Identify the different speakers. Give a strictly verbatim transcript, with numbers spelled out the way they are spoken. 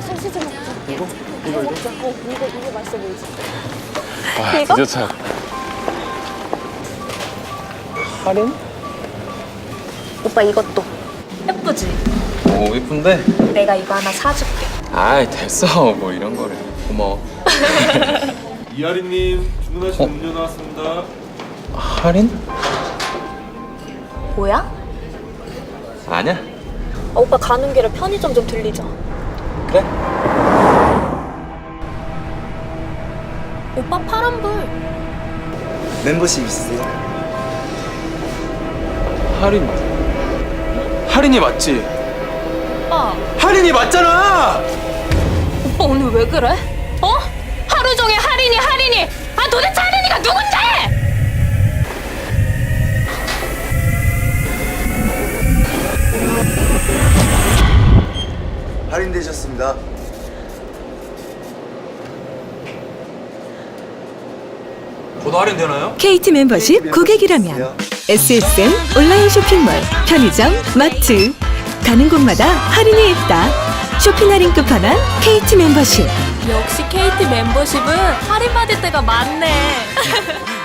Speaker 1: 소시지 먹자.
Speaker 2: 이거?
Speaker 1: 이거
Speaker 2: 이거 이거?
Speaker 1: 먹자. 어, 이거 이거 맛있어 보이지?
Speaker 2: 아,
Speaker 1: 이거?
Speaker 2: 드디어 차. 할인?
Speaker 1: 오빠 이것도 예쁘지?
Speaker 2: 오, 예쁜데?
Speaker 1: 내가 이거 하나 사줄게.
Speaker 2: 아이, 됐어. 뭐 이런 거를. 고마워.
Speaker 3: 이하리님 주문하신
Speaker 2: 어?
Speaker 3: 음료 나왔습니다.
Speaker 2: 할인?
Speaker 1: 뭐야?
Speaker 2: 아니야.
Speaker 1: 아, 오빠 가는 길에 편의점 좀 들리자.
Speaker 2: 그래?
Speaker 1: 오빠 파란불.
Speaker 4: 멤버십 있으세요?
Speaker 2: 할인. 할인이 맞지?
Speaker 1: 오빠.
Speaker 2: 할인이 맞잖아!
Speaker 1: 오빠 오늘 왜 그래? 어? 하루 종일 할인이 할인이. 아 도대체 할인이가 누군데?
Speaker 4: 할인되셨습니다.
Speaker 2: 저도 할인되나요?
Speaker 5: 케이티 멤버십 고객이라면 에스에스엠 온라인 쇼핑몰, 편의점, 마트 가는 곳마다 할인이 있다. 쇼핑 할인 끝판왕 케이티 멤버십.
Speaker 1: 역시 케이티 멤버십은 할인 받을 때가 많네.